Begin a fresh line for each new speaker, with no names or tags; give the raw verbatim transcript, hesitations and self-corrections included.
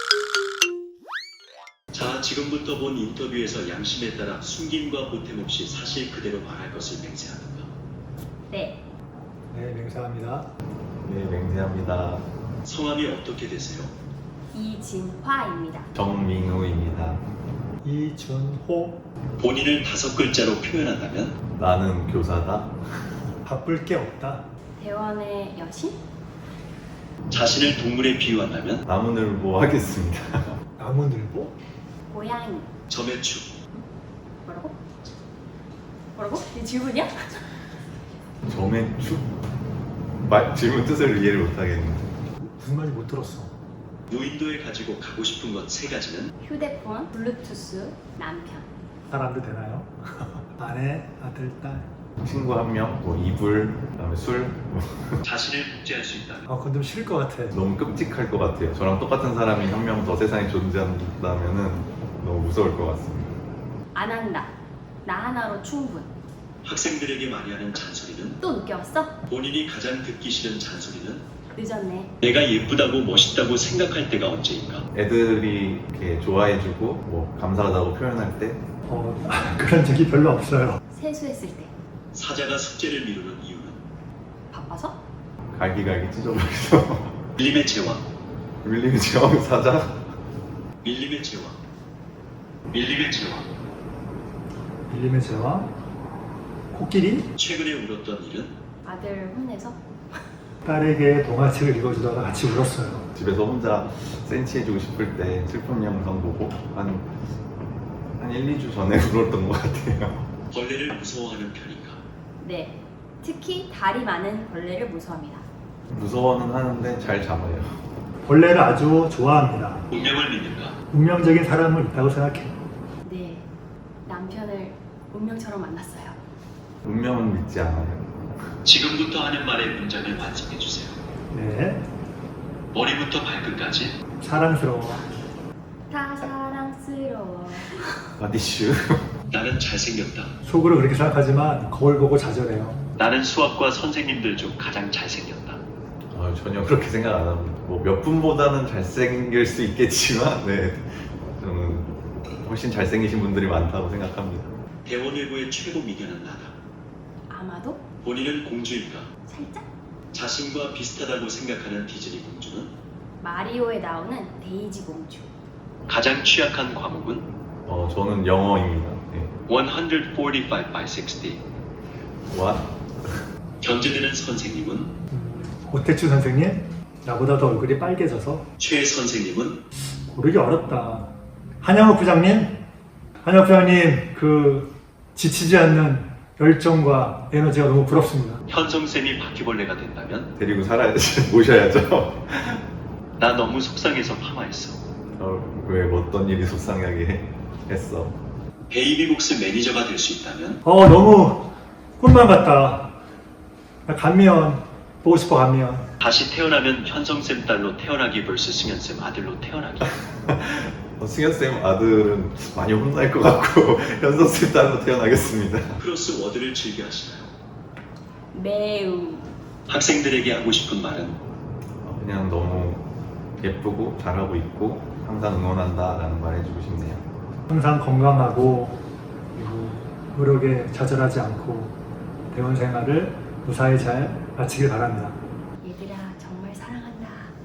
자, 지금부터 본 인터뷰에서 양심에 따라 숨김과 보탬 없이 사실 그대로 말할 것을 맹세하는가?
네.
네, 맹세합니다.
네, 맹세합니다.
성함이 어떻게 되세요?
이진화입니다.
정민우입니다.
이준호.
본인을 다섯 글자로 표현한다면?
나는 교사다.
바쁠 게 없다.
대원의 여신?
자신을 동물에 비유한다면?
나무늘보 하겠습니다.
나무늘보?
고양이.
점액축.
뭐라고? 뭐라고? 이 질문이야?
점액축? 말, 질문 뜻을 이해를 못하겠는데.
무슨 말인지 못 들었어.
무인도에 가지고 가고 싶은 것 세 가지는?
휴대폰, 블루투스, 남편.
사람도 되나요? 아내, 아들, 딸.
친구 한 명, 뭐 이불, 그다음에 술. 뭐
자신을 복제할 수 있다면?
아, 그건 좀 싫을 것 같아.
너무 끔찍할 것 같아요. 저랑 똑같은 사람이 한 명 더 세상에 존재한다면은 너무 무서울 것 같습니다.
안 한다. 나 하나로 충분.
학생들에게 많이 하는 잔소리는?
또 늦게 왔어?
본인이 가장 듣기 싫은 잔소리는?
늦었네.
내가 예쁘다고 멋있다고 생각할 때가 언제인가?
애들이 이렇게 좋아해주고 뭐 감사하다고 표현할 때
어, 그런 적이 별로 없어요.
세수했을 때.
사자가 숙제를 미루는 이유는?
바빠서?
갈기갈기 찢어버려서
밀림의 제왕.
밀리는 제왕 사자.
밀림의 제왕. 밀림의 제왕.
밀림의 제왕. 코끼리.
최근에 울었던 일은?
아들 혼내서?
딸에게 동화책을 읽어주다가 같이 울었어요.
집에서 혼자 센치해주고 싶을 때 슬픈 영상 보고 한, 한 일, 이 주 전에 울었던 것 같아요.
벌레를 무서워하는 편인가?
네. 특히 다리 많은 벌레를 무서워합니다.
무서워는 하는데 잘 잡아요.
벌레를 아주 좋아합니다.
운명을 믿는가?
운명적인 사람은 있다고 생각해요.
네. 남편을 운명처럼 만났어요.
운명은 믿지 않아요.
지금부터 하는 말의 문장을 완성해 주세요.
네.
머리부터 발끝까지.
사랑스러워.
다 사랑스러워.
바디슈.
나는 잘생겼다.
속으로 그렇게 생각하지만 거울 보고 좌절해요.
나는 수학과 선생님들 중 가장 잘생겼다.
아, 전혀 그렇게 생각 안 합니다. 뭐 몇 분보다는 잘생길 수 있겠지만, 네, 저는 훨씬 잘생기신 분들이 많다고 생각합니다.
대원외고의 최고 미녀는 나다.
아마도?
본인은 공주인가?
살짝?
자신과 비슷하다고 생각하는 디즈니 공주는?
마리오에 나오는 데이지 공주.
가장 취약한 과목은?
어, 저는 영어입니다. 네.
백사십오 by 육십.
What?
견제되는 선생님은?
음, 오태추 선생님? 나보다 더 얼굴이 빨개져서
최 선생님은?
고르기 어렵다. 한영욱 부장님? 한영욱 부장님 그 지치지 않는 열정과 에너지가 너무 부럽습니다.
현성쌤이 바퀴벌레가 된다면?
데리고 살아야지, 모셔야죠.
나 너무 속상해서 파마했어.
어, 왜 어떤 일이 속상하게 했어?
베이비복스 매니저가 될 수 있다면?
어 너무 꿈만 같다. 나 감미연 보고 싶어. 감미연.
다시 태어나면 현성쌤 딸로 태어나기 vs 승현쌤 아들로 태어나기.
어, 승현쌤 아들은 많이 혼날 것 같고 현석쌤 딸로 태어나겠습니다.
크로스 워드를 즐겨 하시나요?
매우.
학생들에게 하고 싶은 말은?
어, 그냥 너무 예쁘고 잘하고 있고 항상 응원한다 라는 말 해주고 싶네요.
항상 건강하고 그리고 노력에 좌절하지 않고 대원 생활을 무사히 잘 마치길 바랍니다.
얘들아 정말 사랑한다.